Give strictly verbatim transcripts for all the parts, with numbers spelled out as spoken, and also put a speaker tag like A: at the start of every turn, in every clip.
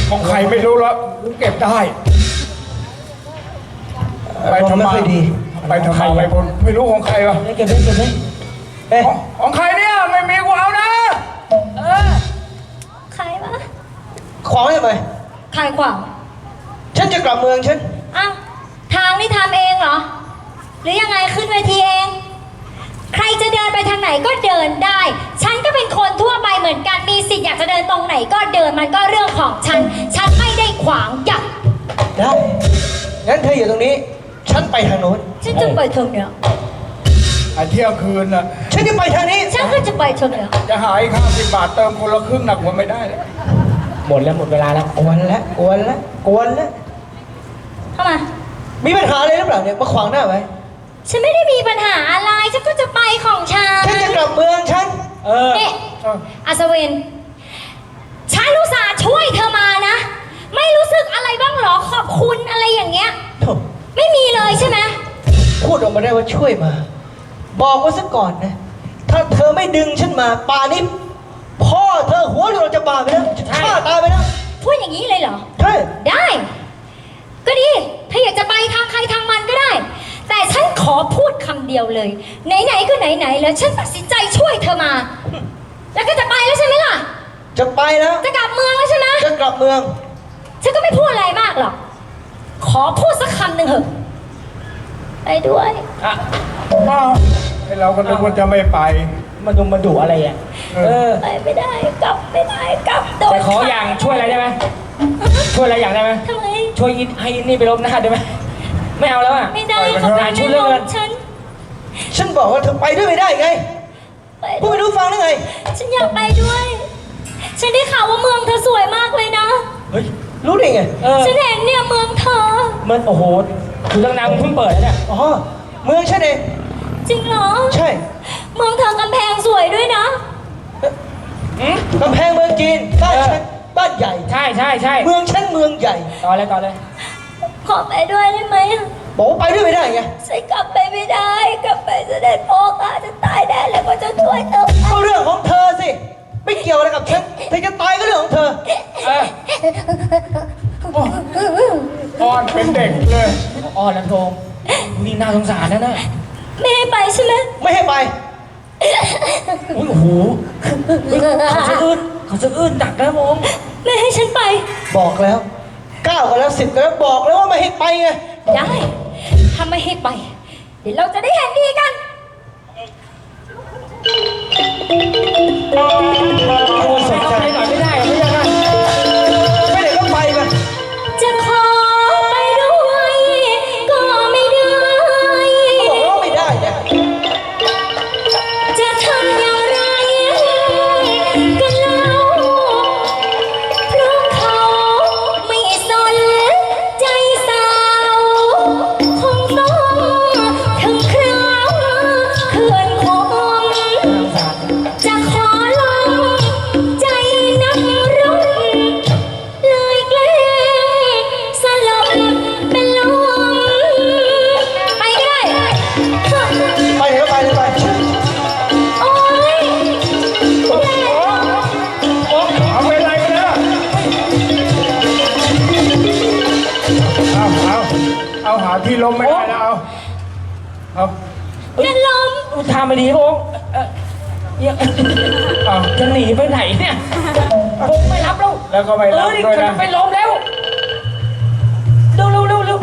A: ของใครไม่รู้แล้วเก็บได้ไปทำไมดีไปทำไมไปพลไม่รู้ของใครวะ
B: เก็บได้เก็บได้
A: เอ๊ะของใครเนี่ยไม่มีกูเอานะ
C: เออใครวะ
B: ขวางทำไม
C: ใครขวาง
B: ฉันจะกลับเมืองฉัน
C: อ้าวทางนี่ทำเองเหรอหรือยังไงขึ้นเวทีเองใครจะเดินไปทางไหนก็เดินได้ฉันก็เป็นคนทั่วไปเหมือนกันมีสิทธิ์อยากจะเดินตรงไหนก็เดินมันก็เรื่องของฉันฉันไม่ได้ขวางจับ
B: ได้งั้นเธออยู่ตรงนี้ฉันไปทางโน้น
C: ฉันจะไปทางเนี้ย
A: ไอ้เที่ยวคืนน่ะ
B: ฉันจะไปทางนี้
C: ฉันก็จะไปทางเนี้ย
A: จะหายค่าสิบบาทเติมคนละครึ่งหนักกว่าไม่ได้เลย
B: หมดแล้วหมดเวลาแล้วกวนแล้วกวนแล้วกวนแล้ว
C: เข้ามา
B: มีปัญหาอะไรหรือเปล่าเนี่ยมาขวางหน้าไว้
C: ฉันไม่ได้มีปัญหาอะไรฉันก็จะไปของฉัน
B: ฉันจะกลับเมืองฉัน
C: เออเนี่ยอัศวินฉันรู้สาช่วยเธอมานะไม่รู้สึกอะไรบ้างหรอขอบคุณอะไรอย่างเงี้ยไม่มีเลยใช่ไหม
B: พูดออกมาได้ว่าช่วยมาบอกว่าซะก่อนนะถ้าเธอไม่ดึงฉันมาป่านี้พ่อเธอหัวเราจะบาไปแล้วจะฆ่าตายไปแล้ว
C: พูดอย่างนี้เลยเหรอ
B: ใช่
C: ได้ก็ดีถ้าอยากจะไปทางใครทางมันก็ได้แต่ฉันขอพูดคำเดียวเลยไหนๆก็ไหนๆแล้วฉันตัดสินใจช่วยเธอมาแล้วก็จะไปแล้วใช่ไหมล่ะ
B: จะไปแล้ว
C: จะกลับเมืองแล้วใช่ไหม
B: จะกลับเมือง
C: ฉันก็ไม่พูดอะไรมากหรอกขอพูดสักคำหนึ่งเถอะไปด้วยอ่ะ
A: ไอเราก็นึกว่าจะไม่ไป
B: มาดูมาดูอะไรอ่ะ
C: เออไปไม่ได้กลับไม่ได้กลับโดน
B: แต่ขออย่างช่วยอะไรได้ไหมช่วยอะไรอย่างได้ไหม
C: ทำไม
B: ช่วยให้นี่ไปลบหน้าได้ไหมไม่เอาแล้วอ่ะ
C: ไม่ได้เขาไม่ช่วยเรื่องฉัน
B: ฉันบอกว่าเธอไปด้วยไม่ได้ไงพูดไม่รู้ฟังได้ไง
C: ฉันอยากไปด้วยฉันได้ข่าวว่าเมืองเธอสวยมากเลยนะ
B: เฮ้ยรู้ได้ไง
C: ฉันเห็นเนี่ยเมืองเธอ
B: มันโอ้โหคือตั้งนานเพิ่งเปิดเนี่ยอ๋อเมืองฉันเอง
C: จริงเหรอ
B: ใช่
C: เมืองเธอกำแพงสวยด้วยนะ
B: กำแพงเมืองจีนบ้านฉันบ้านใหญ่ใช่ใช่ใช่เมืองฉันเมืองใหญ่ต่อเลยต่อเลย
C: ขอไปด้วยได้ไหม
B: บอกไปด้วยไม่ได้ไง
C: ฉันกลับไปไม่ได้กลับไปเสด็จพ่อข้าจะตายแน่เลยว่าจะช่วยเธอ
B: ก็เรื่องของเธอสิไม่เกี่ยวอะไรกับฉันเธอจะตายก็เรื่องของเธอ
A: อ่อนเป็นเด็กเลย
B: อ่อนแล้วทงนี่น่าสงสารนะน่ะ
C: ไม่ให้ไปใช่ไหม
B: ไม่ให้ไปโอ้โหเขาจะอื้นเขาจะอื้นดักแล้วมง
C: ไม่ให้ฉันไป
B: บอกแล้วเก้าก็แล้วสิบก็แล้วบอกแล้วว่าไม่ให้ไปไง
C: ได้ถ้าไม่ให้ไปเดี๋ยวเราจะได้เห็นดีกัน
B: โอ้สนใจหน่อยไม่ได้ไม่ได้ไม่ได้ก็ไปกัน
C: จะขอไปด้วยก็ไม่ได้
B: บอกว่าไม่ได้เนี่ย
C: จะทำอย่างไรกันเล่าเพราะเขาไม่สนใจสาวคงต้องถึงคราวเขื่อนคงจะขอลองใจนักรบเลยแกล้งสลบเป็นลมไปก็ได้
B: ไปเถอะไปเลยไป
C: โอ๊ย
A: เอาไปอะไรกันเนี่ยเอาเอาเอาหาที่ล้มไม่ได้แล้วเอาเอา
C: เป็นลม
B: ทำไม่ดีพงจะหนีไปไหนเนี่ยพงไม่รับแล้ว
A: แล้วก็ไม่รับด้วยนะ
B: ไปล้มแล้วเร็วเร็วเร็วเร็ว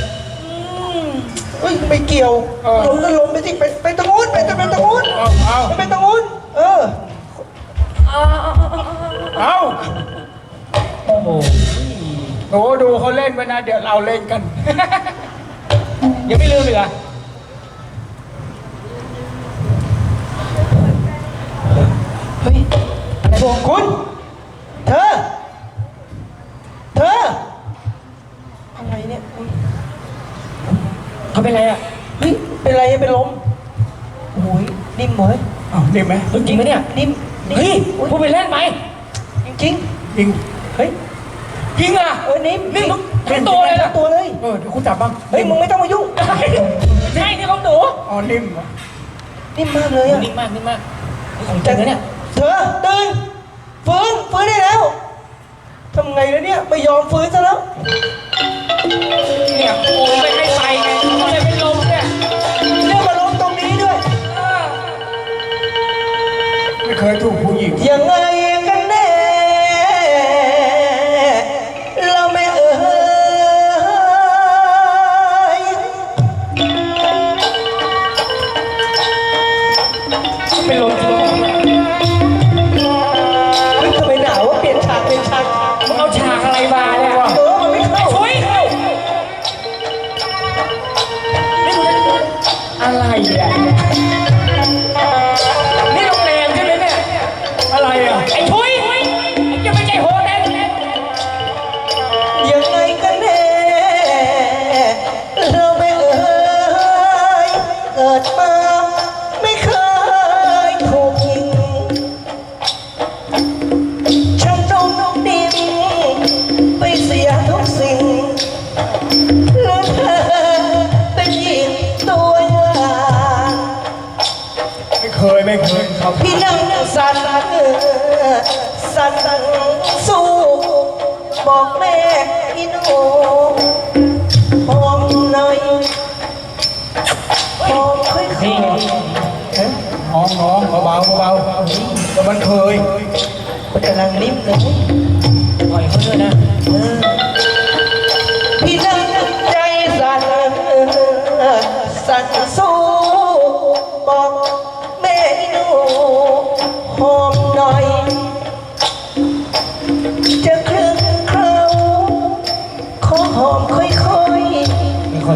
B: เฮ้ยไม่เกี่ยวล้มก็ล้มไปสิไปไปตะงูนไปตะเป็นตะงูนไปเป็นตะงูนเออ
A: เอาโอ้โหโอ้ดูเขาเล่นไปนะเดี๋ยวเราเล่นกัน
B: ยังไม่ลืมอีกอ่ะเฮ้ยอะไรบอกคุณเธอเธออะไรเนี่ยเขาเป็นอะไรอ่ะเฮ้ยเป็นอะไรเป็นลมโอ้ยนิ่มเหมย
A: อ้าวนิ่มไหม
B: จริงไหมเนี่ยนิ่มเฮ้ยพูดไปเล่นไหมจริงจริง
A: จริง
B: เฮ้ยจริงอ่ะเออนิ่มนิ่มทั้งตัวเลยทั้งตัวเลย
A: เออเดี๋ยวคุณจับบ้าง
B: เฮ้ยมึงไม่ต้องมายุ่งใช่นี่ของหนู
A: อ๋อนิ่ม
B: นิ่มมากเลยอ่ะนิ่มมากนิ่มมากของจริงนะเนี่ยเธอตื่นฟื้นฟื้นได้แล้วทำไงแล้วเนี่ยไม่ยอมฟื้นซะแล้ว
A: เนี่ยโอ้ยไม่ให้ไปไงก็เลยเป็นลมเนี่ย
B: เนี่ยมาล้มตรงนี้ด้วย
A: ไม่เคยถูกผู้หญิง
B: ยังไงกันแน่เราไม่เอ่ย
A: เป็นลมจริง
B: เฮ้ยทำไมหนาววะเปลี่ยนฉากเป็นฉาก
A: มึงเอาฉากอะไรมาเนี่ย
B: เออมันไม่เข้า
A: ช่วยอะไรอ่ะนี่โรงแรมใช่ไหมเนี่ยอะไรอ่ะไอ้ทุยจะไม่ใช่โฮเทล
B: ยังไงกันแน่เราไม่เอ่ยเกิดมาไม่เคยถูกยิงช่างต้องดินไปเสียทุกสิ่งแล้วเธอเป็นหญิงตัวอย่าง
A: ไม่เคยไม่เคยครับ
B: พี่นั่งสั่นสั่นสู้บอกแม่อีหนูหอมหน่อยหอมค่อยๆ
A: นี่น้องน้องเบาเบาเบาแต่มันเคย
B: มันกำลังนิ่มเลย
A: ปล่อยเขาด้วยนะ
B: เออพี่นั่งใจสั่นสั่นสู้บอกแม่อีหนูหอมหน่อย จะครึ่งเขาขอหอมค่อยๆ
A: มีคน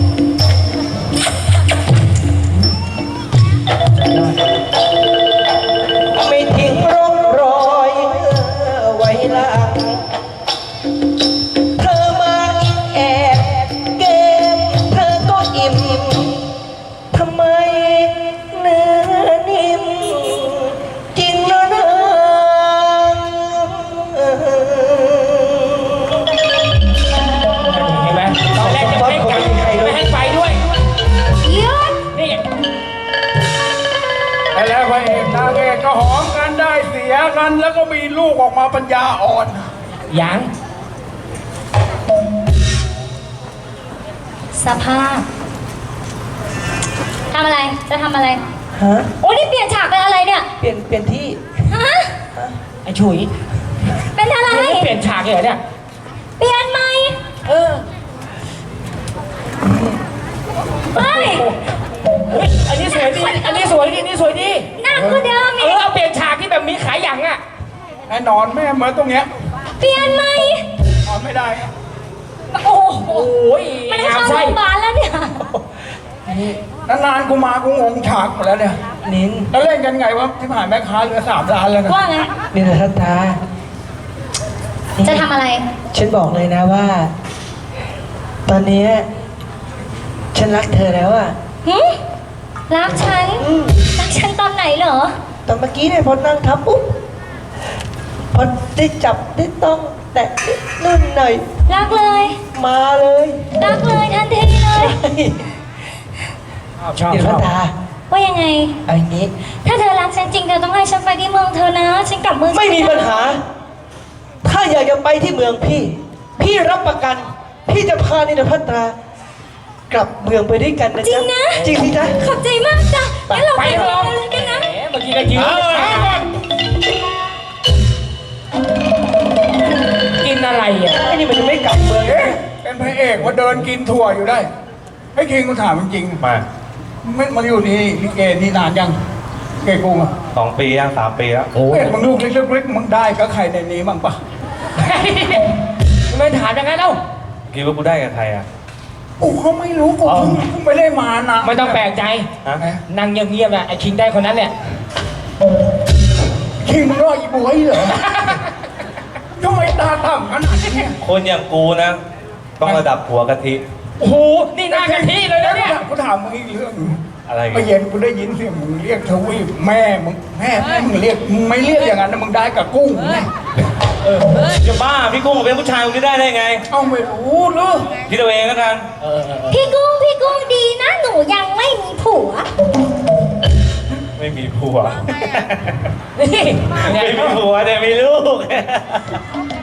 B: ไม่ทิ้งร่องรอยไว้หลังเธอมาแอบเกมเธอก็อิ่มทำไมเนื้อนิ่มจริงนะนาง
A: เห็นไหมตอนแรกจะไม่ให้กลับไม่ให้ไปด้วย
C: หยุด
A: นี่แล้วพระเอกนางเอกก็หอมกันได้เสียกันแล้วก็มีลูกออกมาปัญญาอ่อนยัง
C: สภาพทำอะไรจะทำอะไร
B: ฮะ
C: โอ้นี่เปลี่ยนฉากเป็นอะไรเนี่ย
B: เปลี่ยนเปลี่ยนที่
C: ฮะ
A: ไอ้ฉุย
C: เป็นอะไร
A: มึงไม่เปลี่ยนฉากเลยเหรอเนี่ย
C: เปลี่ยนไหม
A: เออ
C: เฮ้ย
A: เฮ้ยอันนี้สวยดีอันนี้สวยดีอันนี้สวยดี
C: หนักกว่าเดิม
A: เอ
C: อี
A: อก เอาเปลี่ยนฉากที่แบบมีขาหยังอ่ะแน่นอนแม่เหมือนตรงเนี้ย
C: เปลี่ยนไหม
A: นอนไม่ได้
C: โอ้โห
A: โอ้ย
C: มันให้
A: งาม
C: เข้าโร
A: ไส้
C: งพยาบาลแล้วเนี่ย
A: นานๆกูมากูงงฉากหมดแล้วเนี่ย
B: นิน
A: แล้วเล่นกันไงวะที่ผ่านแม่ค้าเหลือสามล้านแล้วนะ
C: ว่าไง
B: นินทัตตา
C: จะทำอะไร
B: ฉันบอกเลยนะว่า ตอนเนี้ยฉันรักเธอแล้วอะ
C: หึรักฉัน
B: อืม
C: รักฉันตอนไหนเหรอ
B: ตอนเมื่อกี้เนี่ยพอนั่งทับปุ๊บพอได้จับได้ต้องแตะนิดนุ่นหน่อย
C: รักเลย
B: มาเลย
C: รักเลยทันทีเลย
A: ชอบ
B: เดี๋ยว
A: ชอบ
B: ตา
C: ว่ายังไง
B: เอาอย่างนี้
C: ถ้าเธอรักฉันจริงเธอต้องให้ฉันไปที่เมืองเธอนะ ฉันกลับเมือง
B: ไม่มีปัญหา ถ้าอยากจะไปที่เมืองพี่ พี่รับประกัน พี่จะพานินพัตรากลับเมืองไปด้วยกันนะ
C: จริ
B: จ๊ะ
C: งนะ
B: จริงสิจ๊ะ
C: ขอบใจมากจ้ะงั้นเรา
A: ไป
C: ไป
A: เล
C: เมือง
A: ย
C: กันนะ
A: เมื่อกี้ก็ยืนกินอะไรอ่ะ
B: ไอ้นี่มันจะไม่กลับเมือง
A: เอ๊ะเป็นพระเอกว่าเดินกินถั่วอยู่ได้ให้คิงกูถามจริงๆ
D: มา
A: ไม่มาอยู่นี่ลิเกนี่นานยังเกกงอ่ะ
D: สองปียังสามปีแล้ว
A: โอ้ยมึงลูกเล็กๆมึงได้ก็ใครในนี้บ้างปะไม่ถามอย่างนั้นเอ้า
D: คิดว่ากูได้กับใครอ่ะ
A: กูเขาไม่รู้กูเพิ่งเพิ่งไม่ได้มานะ
E: ไม่ต้องแปลกใจ
D: ฮะ
E: นั่งเงียบๆนะไอ้คิงได้คนนั้นเนี่ย
A: คิงมึงรออีบวยเหรอทำไมตาต่ำขนาดนี้
D: คนอย่างกูนะ ต้องระดับหัวกะทิ
E: โอ้โห นี่หน้ากะทิเลยนะเนี่ย
A: กูถามมึงอีกเรื่อง
D: อะไร
A: เมื่อเย็นกูได้ยินเสียงมึงเรียกทวีปแม่มึงแม่แม่มึงเรียกมึงไม่เรียกอย่างนั้นนะมึงได้กับกุ้งไง
D: เออจะบ้าพี่กุ้งเป็นผู้ชายคนนี้ได้ได้ไง
A: เอ้าไม่รู้หรือ
D: คิดเอาเองแล้วกัน
C: พี่กุ้งพี่กุ้งดีนะ หนูยังไม่มีผัว
D: ไม่มีผัว
E: นี่
D: ไม่มีผัวแต่มีลูก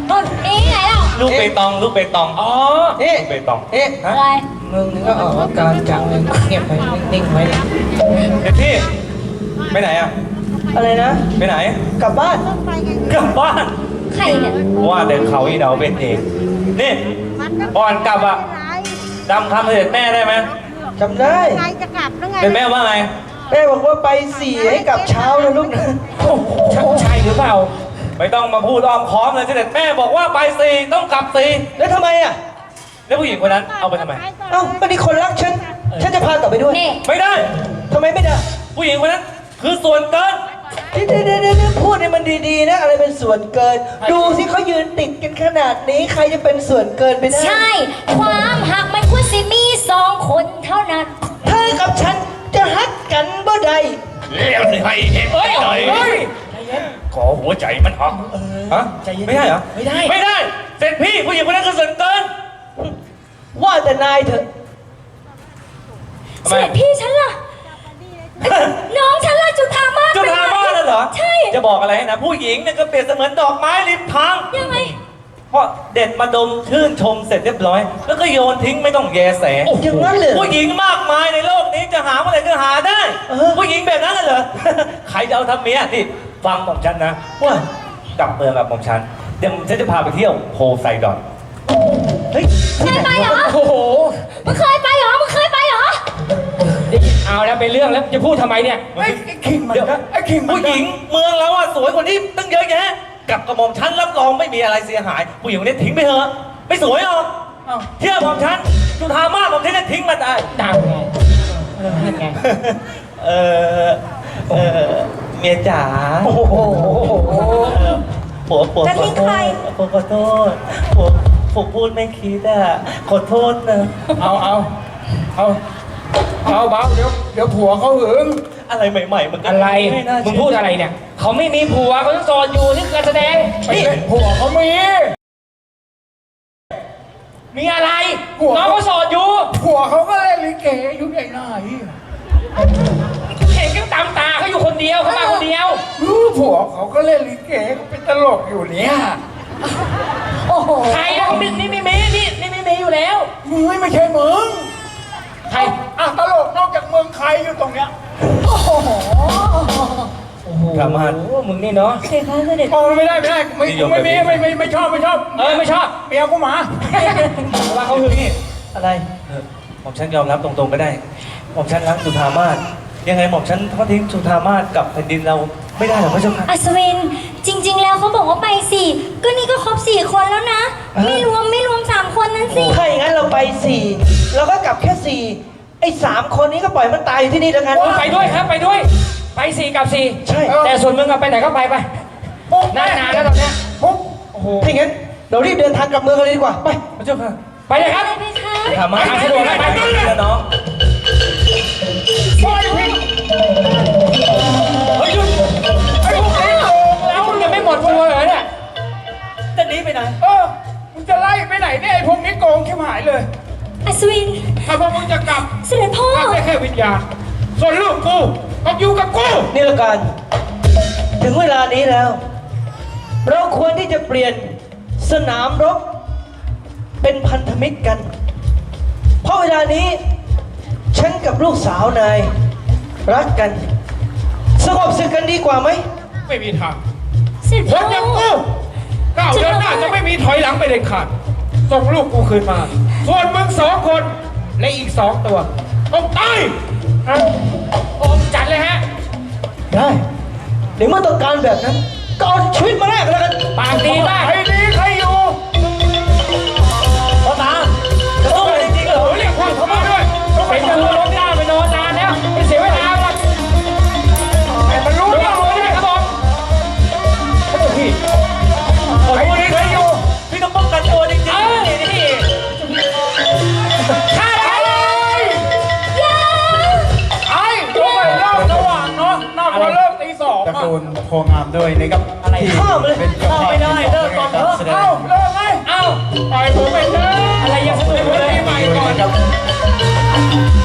C: นี่ไงเรา
D: ลูกเปตองลูกเปตอง
E: อ๋อ
B: เอ๊ะ
D: ลูกเปตอง
B: เอ๊ะ
C: อะไร
B: มึงนี่ก็ออกอาการจังเลยเงียบไปนิ่งๆไว้เลย
D: เด็กพี่ไปไหนอ่ะ
B: อะไรนะ
D: ไปไหน
B: กลับบ้าน
D: กลับบ้าน
C: ใครเนี่ย
D: ว่าเดินเขาอีเดาเป็นเองนี่ก่อนกลับอ่ะจำคำเสด็จแม่ได้ไหม
B: จำได้
F: ไงจะกลับแล้วไง
D: เสด็จแม่ว่าไง
B: แม่บอกว่าไปสี่ให้กลับเช้านะลูกนะ
E: โอ้โหใช่หรือเปล่า
D: ไม่ต้องมาพูดอ้อมค้อมเลยเสด็จแม่บอกว่าไปสี่ต้องกลับสี่
B: แล้วทำไมอ่ะ
D: แล้วผู้หญิงคนนั้นเอาไปทำไม
B: เอ้าก็นี่คนรักฉัน ฉันจะพากลับไปด้วย
C: นี่
D: ไม่ได้
B: ทำไมไม่ได้
D: ผู้หญิงคนนั้นคือส่วนเกิน
B: เดี๋ยวเดี๋ยวเดี๋ยวเดี๋ยวพูดให้มันดีๆนะ อะไรเป็นส่วนเกิน ดูสิเขายืนติดกันขนาดนี้ ใครจะเป็นส่วนเกินไปได้
C: ใช่ ความหักมันควรสิมีสองคนเท่านั้น
B: เธอกับฉันจะฮักกันบ่ได้
A: เลี้ยวสิให้เห็น
E: เฮ้ย
A: หน่อย
E: เฮ้ย
A: ขอหัวใจมันหัก
D: ฮะไม่ได้เหรอ
E: ไม่ได้
D: ไม่ได้เสร็จพี่ผู้หญิงคนนั้นคือส่วนเกิน
B: ว่าแต่นายเถอะ
D: ทำ
C: เส
D: ไม
C: ด็จพี่ฉันล่ะ น้องฉันล่ะจุธามาศ
D: จุฬาบ้านน่ะเหรอ
C: ใช่
D: จะบอกอะไรให้นะ ผู้หญิงเนี่ยก็เปรียบเสมือนดอกไม้ริมทาง
C: ยังไง
D: เพราะเด็ดมาดมชื่นชมเสร็จเรียบร้อย แล้วก็โยนทิ้งไม่ต้องแยแส
B: อย่างนั้นเลย
D: ผู้หญิงมากมายในโลกนี้จะหาเมื่อไหร่ก็หาได้
B: เออ
D: ผู้หญิงแบบนั้นน่ะเหรอ ใครจะเอาทำเมียนี่ฟังผมฉันนะ
B: ว่า
D: กลับเมืองกับผมฉันเดี๋ยวฉันจะพาไปเที่ยวโพไซดอน
B: เฮ้ย
C: เคยไปเหรอ
E: โอ้โห
C: มึงเคยไปเหรอ มึงเคยไปเหรอ
E: เอาแล้วเป็นเรื่องแล้วจะพูดทำไมเนี่ย
A: ไอ้ไอ้คิงมัน
D: เดี๋ยว
A: ก็ไอ้คิงมัน
D: ผู้หญิงเมืองเราอะสวยกว่านี้ตั้งเยอะแยะกลับกับหม่อมฉันรับรองไม่มีอะไรเสียหาย ผู้หญิงคนนี้ทิ้งไปเถอะไม่สวยหรอก
A: เอ้า
D: เที่ยวหม่อมฉันจุธามาศหม่อมฉันจะทิ้งมันได้
E: ดังไงเออนั่นไง
D: เออเออเมียจ๋า
B: โอ้โห
D: ผัวผัว
C: จะทิ้งใคร
D: ผัวขอโทษผัวผัวพูดไม่คิดอะขอโทษนะ
A: เอาเอาเอาเอาเบาเดี๋ยวเดี๋ยวผัวเขาหึง
D: อะไรใหม่ๆมันก็
E: อะไร
D: ไม่น่า
E: มึ
D: เชื่
E: งพูดอะไรเนี่ย เขาไม่มีผัวเขาต้องโสดอยู่นี่คือการแสดง
A: ไปเล่นผัวเขามี
E: มีอะไร
A: ผัว
E: น้องเขาโสดอยู่
A: ผัวเขาก็เล่นลิเกอยู่ไหนไหน
E: เห็นกันตามตาเขาอยู่คนเดียวเขามาคนเดียว
A: รู้ผัวเขาก็เล่นลิเกเขาเป็นตลกอยู่เนี่ย
C: โอ้โห
E: ใครนะเขามีนี่ไม่มีนี่นี่ไม่มีอยู่แล้ว
A: มึงไม่ใช่มึง
E: ใคร
A: อ่ะตลกนอกจากเมืองใครอยู่ตรงเนี้ย
C: โอ้โห
E: โอ้โห
D: กลับมา
E: มึงนี่เนาะ
C: เสด็จพ่อเสด็จ
A: โอ้ไม่ได้ไม่ได้ไม่ไม่ไม่ไม่ไม่ไม่ชอบไม่ชอบ
E: เออไม่ชอบ
A: เมียกูหมา
E: ว่าเขาหึงนี่
B: อะไร
D: เออหม่อมฉันยอมรับตรงๆก็ได้หม่อมฉันรักจุธามาศยังไงหม่อมฉันทอดทิ้งจุธามาศกับแผ่นดินเราไม่ได้หรอกพระเจ้าค่ะ
C: อัศวิน จริง ๆ แล้วเขาบอกว่าไปสี่ ก็นี่ก็ครบสี่คนแล้วนะ ไม่รวมไม่รวมสามคนนั้นสิ
B: ถ้าอย่างนั้นเราไปสี่เราก็กลับแค่สี่ไอ้สามคนนี้ก็ปล่อยมันตายอยู่ที่นี่แล้วกัน
E: ไปด้วยครับไปด้วย ไปสี่กับสี่
B: ใช่
E: แต่ส่วนมึงอะไปไหนก็ไปไป
A: ปุ๊บ
E: นานๆแล้วตอนเนี้ย
A: ปุ๊บ
E: โอ้โห
B: ถ้าอย่างนั้นเรารีบเดินทางกลับเมืองกันเลยดีกว่า ไป
D: พระเจ้าค่ะ
E: ไปเลยครับ
C: ไปไหมคะ
D: จุธามาศ
E: ไปสะดวกนะไป
D: แล้วน้อง
A: ปล่อยพี่
E: เฮ้ยหยุด
A: ไอ้พวกนี้โกง
E: แล้วมึงยังไม่หมดตัวเหรอเนี่ย
D: จะหนีไปไหน
A: เออมึงจะไล่ไปไหนเนี่ยไอ้พวกนี้โกงชิบหายเลย
C: อัศวิน
A: ถ้าพวกมึงจะกลับ
C: เสด็จพ่อ
A: กลับได้แค่วิญญาณส่วนลูกกูต้องอยู่กับกู
B: นี่ละกัน ถึงเวลานี้แล้ว เราควรที่จะเปลี่ยนสนามรบเป็นพันธมิตรกัน เพราะเวลานี้ ฉันกับลูกสาวนาย รักกัน สงบศึกกันดีกว่าไหม
A: ไม่มีทาง
C: เสด็จ
A: ค
C: พ่อน
A: อย่างกูก้าวเดินหน้าจะไม่มีถอยหลังไปเด็ดขาดส่งลูกกูคืนมา ส่วนมึงสองคนและอีกสองตัวต้องตาย
E: โอมจัดเลยฮะ
B: ได้ในเมื่อต้องการแบบนั้น ก็เอาชีวิตมาแลกกันแล้วกัน
E: ปากดีมาก
A: ใครดีใครอยู่
D: พ่อตาจะสู้กันจริงๆเหรอ
A: โอ้เรียกพวกเขามาด้วยต้องไป
E: เป็น
A: จั
E: จะ
A: บ
E: รู้ล้มหน้าไปนอนนานแล้วไม่เสียเวลาหรอก
A: ให้มันรู้
E: รู้
A: ว่า
E: รู้ได้ครับผม
A: พี่ใครดีใครอยู่
D: พี่ต้องป้องกันตัวจริง
E: เออนี่นี่ฆ่าเลย
A: ไอ้ตัวไปเริ่มสว่างเนาะน่ากว่าเริ่มตีสอง
G: ตระ
A: อ่ะ
G: กูลโพงามด้วยนะครับ
E: อะไร
B: ข้ามเลย
G: เป็นเจ้าภาพ
D: ไม่ได้เลิกก่อนเถอะ
G: แสดง
A: เอ้าเริ่มไหม
E: เอ้า
A: ปล่อยผมไปเถอะ
E: อะไรยังสนุก
A: เดี๋ยว
E: เลย
A: ปีใหม่ก่อน
G: ครับ